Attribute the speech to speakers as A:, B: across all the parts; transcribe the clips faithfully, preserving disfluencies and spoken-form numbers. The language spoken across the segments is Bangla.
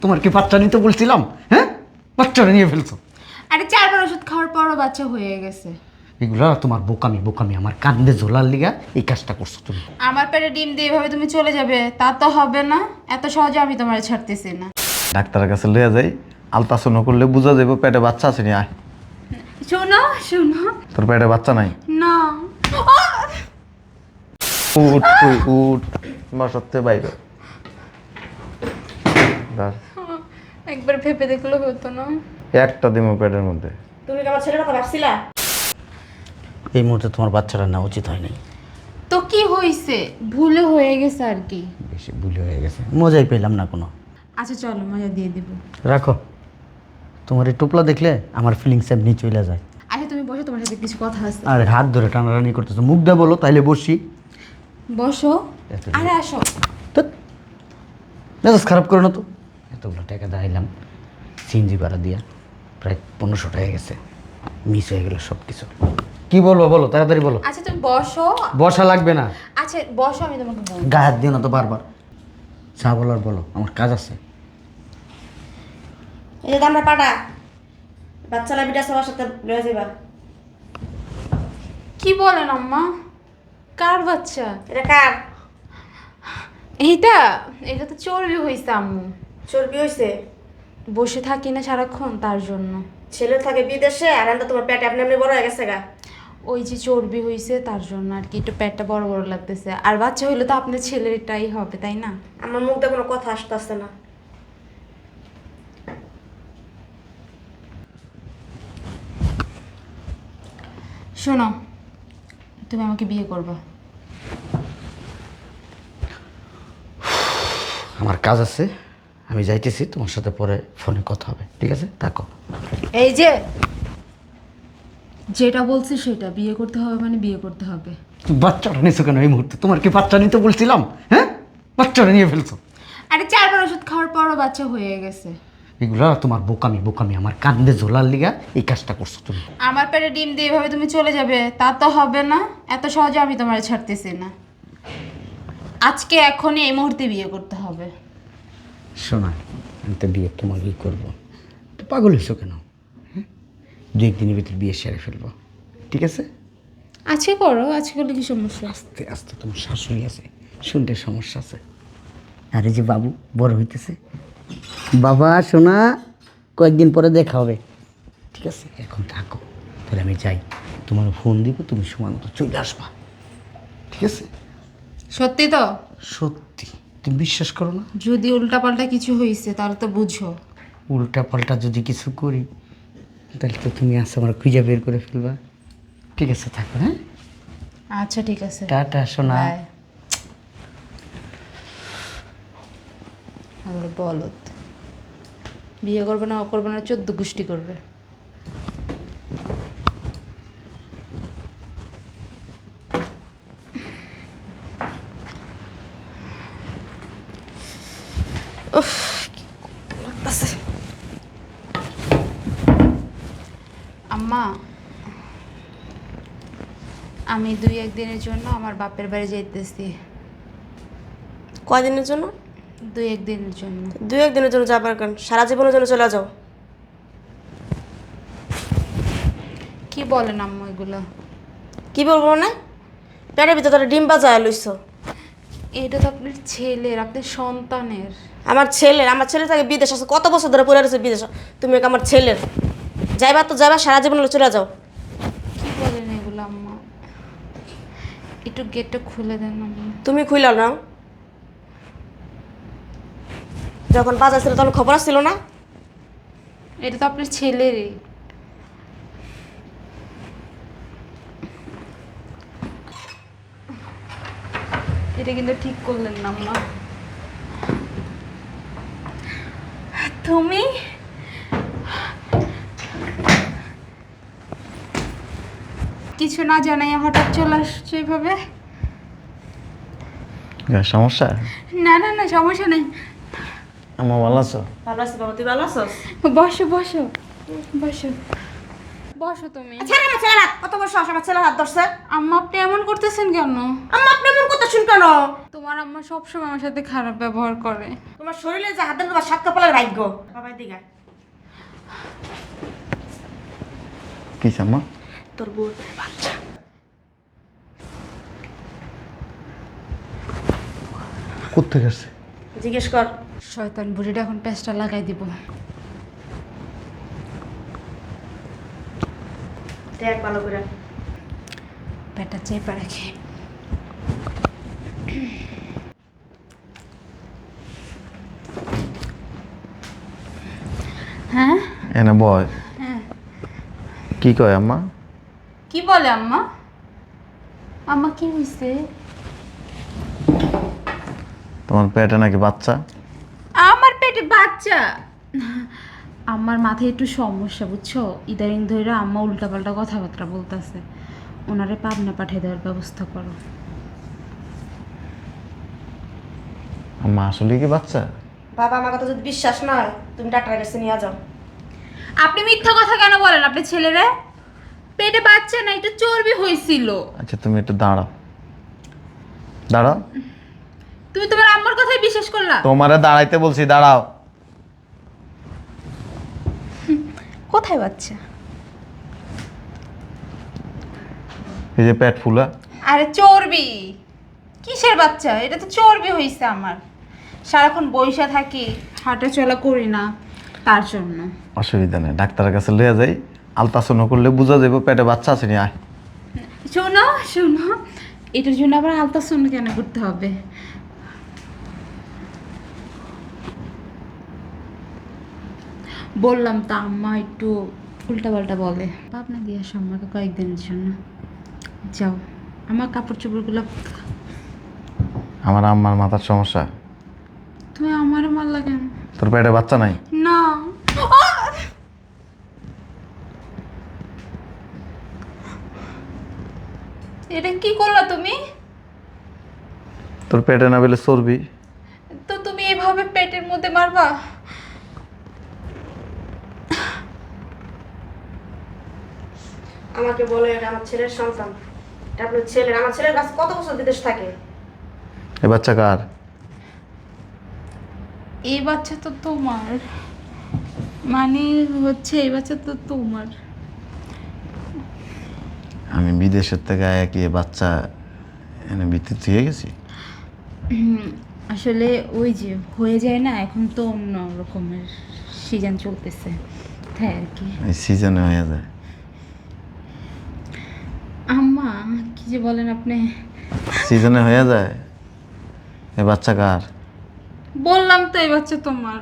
A: তোমার কি বাচ্চা নিতে বলছিলাম? হ্যাঁ, বাচ্চাটা নিয়ে ফেলছো।
B: আরে চারবার ওষুধ খাওয়ার পরও বাচ্চা হয়ে গেছে।
A: এগুলা তোমার বোকামি বোকামি আমার কান্দে ঝোলার লিগা এই কাজটা করছো তুমি।
B: আমার পেটে ডিম দিয়ে এভাবে তুমি চলে যাবে তা তো হবে না। এত সহজে আমি তোমার ছাড়তেছি না।
C: ডাক্তারের কাছে লইয়া যাই, আলট্রাসাউন্ড করলে বোঝা যাবে পেটে বাচ্চা আছে নি। আয়,
B: শোনো শোনো
C: তোর পেটে বাচ্চা নাই।
B: না।
C: উঠ তুই উঠ, বাসাতে বাইরে দাঁড়।
B: একবার ভেবে দেখলে হতো না।
C: একটা দিমো পেটের মধ্যে।
D: তুমি কি আমার ছেলের কথা ভাবছিলা?
A: এই মুহূর্তে তোমার বাচ্চাটা না উচিত হয় নাই।
B: তো কি হয়েছে? ভুলে হয়ে গেছে আর কি।
A: বেশি ভুল হয়ে গেছে, মজাই পেলাম না কোনো।
B: আচ্ছা চলো মজা দিয়ে দিব।
A: রাখো, তোমার এই টোপলা দেখলে আমার ফিলিংস এমনি চলে যায়।
B: আচ্ছা তুমি বসো, তোমার সাথে কিছু কথা আছে।
A: আর হাত ধরে টানাটানি করতেছো, মুখ দিয়ে বলো তাইলে বসি।
B: বসো।
A: এত-
B: আরে আসো।
A: ধ্যাৎ, মেজাজ খারাপ করে না তো। এতগুলো টাকা দাঁড়াইলাম সিএনজি ভাড়া দিয়া, প্রায় পনেরোশো টাকা গেছে, মিস হয়ে গেল সব কিছু। কি বলবো বলো, তাড়াতাড়ি বলো।
B: আচ্ছা তুমি বসো।
A: বসা লাগবে না,
B: আচ্ছা বসো, আমি তোমাকে বলবো।
A: গায়ে হাত দিও না তো বারবার। যা বলার বলো, আমার কাজ আছে।
D: এই যে আমরা পাটা বাচ্চা লাভিটা সবার সাথে লয়ে যাবা।
B: কি বলেন আম্মা? কার বাচ্চা?
D: এটা কার?
B: এইটা এটা তো চর্বি হয়েছে আম্মু।
D: চর্বি হয়েছে?
B: বসে থাকি না সারাক্ষণ, তার জন্য।
D: ছেলে থাকে বিদেশে আর আমরা তোমার পেটে আপনি এমনি বড় হয়ে গেছে গা।
B: ওই যে চর্বি হয়েছে তার জন্য আর কি, একটু পেটটা বড় বড় লাগতেছে। আর বাচ্চা হইলে তো আপনার ছেলেরটাই হবে, তাই না?
D: আমার মুখ দিয়ে কোনো কথা আসতেছে না।
B: শোনো, তুমি আমাকে বিয়ে করবে।
A: আমার কাজ আছে, আমি যাইতেছি, তোমার সাথে পরে ফোনে কথা হবে, ঠিক আছে? থাকো।
B: এই যে যেটা বলছি সেটা, বিয়ে করতে হবে মানে বিয়ে করতে হবে।
A: বাচ্চাটা নিয়েছো কেন এই মুহূর্তে? তোমার কি বাচ্চা নিতে বলছিলাম? হ্যাঁ, বাচ্চাটা নিয়ে ফেলছো।
B: আরে চারবার ওষুধ খাওয়ার পরও বাচ্চা হয়ে গেছে।
A: এগুলা তোমার বোকামি বোকামি আমার কান্দে ঝোলার লিগা এই কাজটা করছো তুমি।
B: আমার পেটে ডিম দিয়ে এভাবে তুমি চলে যাবে তা তো হবে না। এত সহজে আমি তোমার ছাড়তেছি না। আজকে এখনই এই মুহূর্তে বিয়ে করতে হবে।
A: শোনা, আমি তো বিয়ে তোমাকেই করবো। তো পাগল হয়েছো কেন? হ্যাঁ, দু একদিনের ভিতরে বিয়ে সেরে ফেলবো, ঠিক আছে?
B: আজকে করো, আজকে করলে কি সমস্যা?
A: আস্তে আস্তে, তোমার শাশুড়ি আছে, শুনতে সমস্যা আছে। আর এই যে বাবু বড় হইতেছে, বাবা শোনা, কয়েকদিন পরে দেখা হবে, ঠিক আছে? এখন থাকো, তাহলে আমি যাই, তোমার ফোন দিব, তুমি সময় মতো চলে আসবা, ঠিক আছে?
B: সত্যি তো?
A: সত্যি, তুমি বিশ্বাস করো না?
B: যদি উল্টাপাল্টা কিছু হয়েছে তাহলে তো বুঝো।
A: উল্টা পাল্টা যদি কিছু করি তাহলে তো তুমি আসো আমার খুঁজে বের করে ফেলবা, ঠিক আছে? থাকো, হ্যাঁ?
B: আচ্ছা ঠিক আছে,
A: টাটা শোনা।
B: বাই। আমার বলত বিয়ে করবে না, ও করবে না, চোদ্দ গোষ্ঠী করবে। আম্মা, আমি দুই একদিনের জন্য আমার বাপের বাড়ি যাইতেছি।
D: কয়দিনের জন্য?
B: দুই একদিনের জন্য।
D: দুই একদিনের জন্য যাবার কারণ সারা জীবনের জন্য চলে যাও।
B: কি বলেন আম্মা এগুলো?
D: কি বলবো না, পেটের ভিতরে তোরা ডিম বাজায় লইছো।
B: এটা তো আপনার ছেলের, আপনার সন্তানের।
D: আমার ছেলের, আমার ছেলে থাকে বিদেশ আছে, কত বছর ধরে পড়ে রয়েছে বিদেশ। তুমি কি আমার ছেলের? যাইবা তো যাইবা, সারা জীবন চলে যাও।
B: কি বলেন এগুলো আম্মা? একটু গেটটা খুলে দেন আম্মা।
D: তুমি খুইলা নাও। যখন বাজার ছিল তখন খবর আসছিল না?
B: এটা তো আপনার ছেলেরই। এটা কিন্তু ঠিক করলেন না আম্মা। তুমি কিছু না জানাই হঠাৎ চলে আসছো এইভাবে?
C: সমস্যা?
B: না না না, সমস্যা নেই।
C: আমার ভালো আছো?
D: ভালো আছি বাবা, তুই ভালো আছো?
B: বসো বসো বসো বসো তুমি।
D: ছেলে না ছেলে হাত কত বছর আমার ছেলে হাত ধরছে।
B: আম্মা আপনি এমন করতেছেন কেন?
D: আম্মা আপনি এমন কথা শুন কেন?
B: তোমার আম্মা সবসময় আমার সাথে খারাপ ব্যবহার করে।
D: তোমার শরীরে যে হাত দেন তোমার সাত কপালের ভাগ্য। বাবা দিঘা
C: কি আম্মা?
D: তোর বউ বাচ্চা
C: কোত্থেকে আসছে?
D: জিজ্ঞেস কর।
B: শয়তান বুড়িটা এখন পেস্টটা লাগাই দিব।
D: দেখ ভালো করে।
B: পেটটা চেপে রাখে। হ্যাঁ
C: এনে বয়।
B: হ্যাঁ
C: কি কয় আম্মা?
B: কি বলে আম্মা? আম্মা কি হয়েছে?
C: তোমার পেটে নাকি বাচ্চা?
B: আমার পেটে বাচ্চা? আমার মাথায় একটু সমস্যা বুঝছো, ইদারিং ধরে আম্মা উল্টাপাল্টা কথাবার্তা বলতেছে। ওনারে পাবনা পাঠিয়ে দেওয়ার ব্যবস্থা করো।
C: আম্মা আসলে কি বাচ্চা?
D: বাবা আমার কথা যদি বিশ্বাস না হয় তুমি ডাক্তারের কাছে নিয়ে যাও।
B: আপনি মিথ্যা কথা কেন বলেন? আপনি ছেলেরা পেটে বাচ্চা না, একটু চর্বি হয়েছিল।
C: আচ্ছা তুমি একটু দাঁড়াও, দাঁড়াও।
B: তুমি তোমার আম্মার কথাই বিশ্বাস করলা?
C: তোমারে দাঁড়াইতে বলছি, দাঁড়াও।
B: কোথায় বাচ্চা?
C: এই যে পেট ফুলা।
B: আরে চর্বি। কিসের বাচ্চা? এটা তো চর্বি হয়েছে আমার। সারাক্ষণ বইসা থাকি, হাঁটা চলা করি না, তার জন্য।
C: অসুবিধা নেই, ডাক্তারের কাছে লইয়া যাই। আলট্রাসাউন্ড করলে বোঝা যাবে পেটে বাচ্চা আছে নি। আয়।
B: শোনো শোনো, এটার জন্য আবার আলট্রাসাউন্ড কেন করতে হবে? বললাম তো আম্মা একটু উল্টাপাল্টা বলে। ভাবনা দিয়ে আসো আমাকে কয়েকদিনের জন্য। যাও, আমার কাপড় চোপড়গুলো।
C: আমার আম্মার মাথার সমস্যা।
B: তুমি আমারও মারলা কেন?
C: তোর পেটে বাচ্চা নাই?
B: না। এটা কি করলা তুমি?
C: তোর পেটে না বেলে চর্বি।
B: তো তুমি এভাবে পেটের মধ্যে মারবা?
D: আমাকে বলে এটা আমার ছেলের সন্তান। এটা আপনার ছেলের। আমার ছেলের কাছে কত বছর বিদেশ থাকে।
C: এ বাচ্চা কার?
B: এই বাচ্চা তো তোমার, মানে হচ্ছে এই বাচ্চা তো তোমার।
C: আমি বিদেশের থেকে আয়া কি এ বাচ্চা এনে ভিতরে দিয়ে গেছি?
B: হুম, আসলে ওই যে হয়ে যায় না, এখন তো অন্য রকমের সিজন চলতেছে, তাই আর কি।
C: এই সিজনে হয়ে যায়।
B: আম্মা কি যে বলেন আপনি?
C: সিজনে হয়ে যায়। এ বাচ্চা কার?
B: বললাম তো এই বাচ্চা তোমার।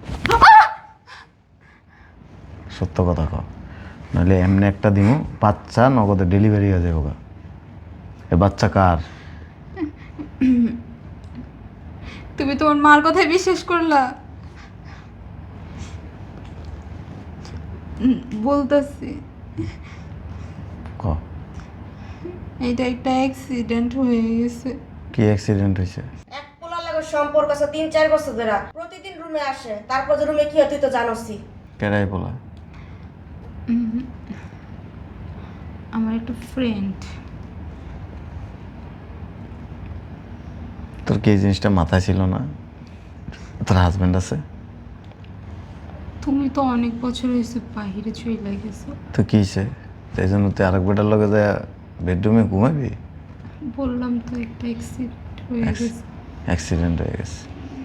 C: সত্য কথা কও, নাহলে এমনি একটা দিমু বাচ্চা নগদে ডেলিভারি হয়ে যাবো গা। এ বাচ্চা কার?
B: তুমি তোমার মার কথাই বিশ্বাস করলা? উম, বলতেছি
C: ক
B: এটা একটা অ্যাক্সিডেন্ট হয়ে গেছে।
C: কি অ্যাক্সিডেন্ট হয়েছে?
D: এক পোলার লাগে সম্পর্ক আছে তিন চার বছর ধরে। প্রতিদিন রুমে আসে, তারপর যে রুমে কি হয় তুই তো জানোসই।
C: কেডাই বলা?
B: উম, আমার একটা ফ্রেন্ড।
C: তোর কি এই জিনিসটা মাথায় ছিল না? তোর হাজব্যান্ড আছে?
B: তুমি তো অনেক বছর হয়েছে বাহিরে চলে গেছো।
C: তো কি হয়েছে? সেই জন্য তুই আরেক বেটার লগে যায় বেডরুমে ঘুমাবি?
B: বললাম তো একটা অ্যাক্সিডেন্ট হয়ে গেছে।
C: অ্যাক্সিডেন্ট হয়ে গেছে।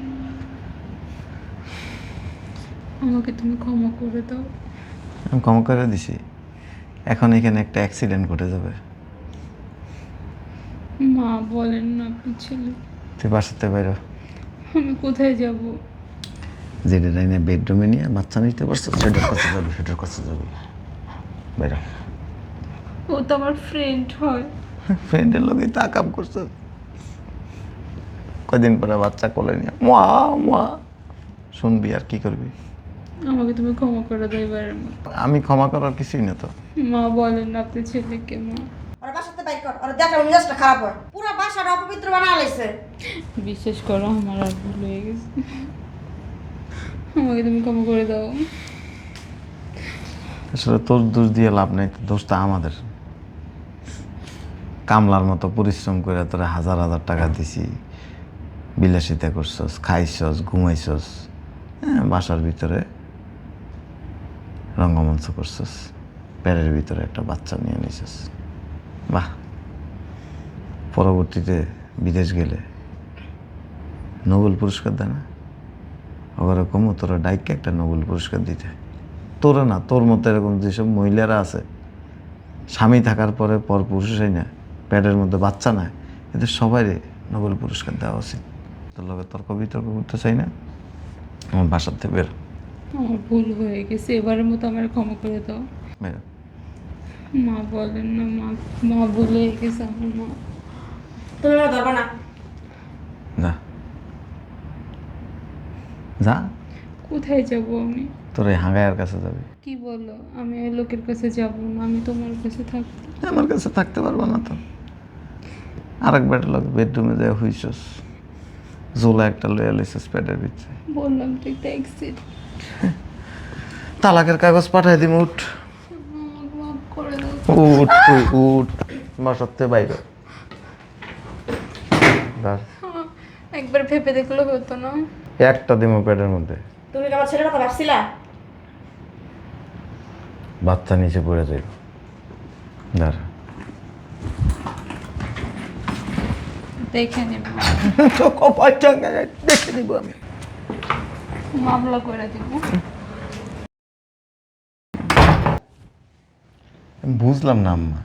B: আমাকে তুমি ক্ষমা করে দাও।
C: আমি ক্ষমা করে দিছি। এখন এখানে একটা অ্যাক্সিডেন্ট ঘটে যাবে।
B: মা বলেন না আপনি ছেলে।
C: তুই বাসাতে বাইর।
B: আমি কোথায় যাব?
C: যেটা না বেডরুমে নিয়ে বাচ্চা নিতে পারছো সেটার কাছে যাবি, সেটার কাছে যাবি। বাইর।
B: ও তো আমার ফ্রেন্ড হয়।
C: ফ্রেন্ডের লোকই তা কাম করছো। কয়দিন পরে বাচ্চা কোলে নিয়ে মা মা শুনবি আর কি করবি?
B: আমাকে তুমি ক্ষমা করে দাও এবারের মতো।
C: আমি ক্ষমা করার কিছুই না তো।
B: মা বলেন না আপনি ছেলেকে। মা
D: ওরা বাসাতে বাইক কর, ওরা দেখলে মেজাজটা খারাপ হয়। পুরো বাসাটা অপবিত্র বানা লাইছে।
B: বিশ্বাস করো আমার আর ভুল হয়ে গেছে। আমাকে তুমি ক্ষমা করে দাও।
C: আসলে তোর দোষ দিয়ে লাভ নেই, দোষটা আমাদের। কামলার মতো পরিশ্রম করে তোরা হাজার হাজার টাকা দিছি, বিলাসিতা করছস, খাইছস, ঘুমাইছস, হ্যাঁ, বাসার ভিতরে রঙ্গমঞ্চ করছস, প্যারের ভিতরে একটা বাচ্চা নিয়ে নিছস। বাহ, পরবর্তীতে বিদেশ গেলে নোবেল পুরস্কার দেয় না? ওরকম তোরা ডাইকে একটা নোবেল পুরস্কার দিতে। তোরা না, তোর মতো এরকম যেসব মহিলারা আছে, স্বামী থাকার পরে পর পুরুষই না, প্যাডের মধ্যে বাচ্চা নাই, এদের সবাই নোবেল পুরস্কার দেওয়া উচিত। তোর লগে তর্ক বিতর্ক করতে চাই না, আমার বাসার থেকে বের
B: আমার ভুল হয়ে গেছে, এবারের মতো আমার ক্ষমা করে দাও।
C: বের।
B: মা বলেন না, মা মা ভুল হয়ে গেছে আমার মা।
D: তুমি আমার ধরবা না।
C: যা যা,
B: কোথায় যাব আমি?
C: তোর এই হাঙ্গাইয়ের কাছে যাবি।
B: কি বলো? আমি ওই লোকের কাছে যাব না, আমি তোমার কাছে থাকবো।
C: আমার কাছে থাকতে পারবো না তো। আরেক বেডের লোক বেডরুমে যায় হইছস, জোলা একটা লইয়া লইছস প্যাডের ভিতরে।
B: বললাম তো একটা অ্যাক্সিডেন্ট।
C: তালাকের কাগজ পাঠাই দিম, উঠ
B: আমাকে মাফ করে দাও।
C: উঠ তুই উঠ, বাসাতে বাইরে। দাঁড়।
B: একবার ভেবে দেখলে হতো না?
C: একটা দিমো প্যাডের মধ্যে,
D: তুমি কি আমার ছেলের কথা ভাবছিলা?
C: বাচ্চা নিচে পড়ে যাইব। দাঁড়া।
B: দেখে নেব,
C: দেখে নিব আমি।
B: মামলা করে দিব।
C: আমি বুঝলাম না আম্মা,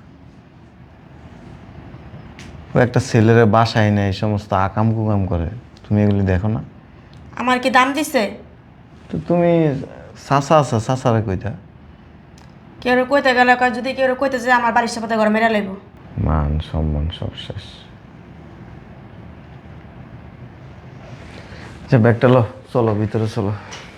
C: ও একটা ছেলের বাসায় নেই, এই সমস্ত আকাম কুকাম করে, তুমি এগুলি দেখো না?
D: আমার কি দাম দিছে?
C: তো তুমি চাচা আছা, চাচারে কইতা।
D: কেউ কইতে গেলে কয়, যদি কেউ কইতে যে আমার বাড়ির সাথে ঘরে মেরা লাগবো।
C: মান সম্মান সব শেষ। যে ব্যাগটা লো, চলো ভিতরে চলো।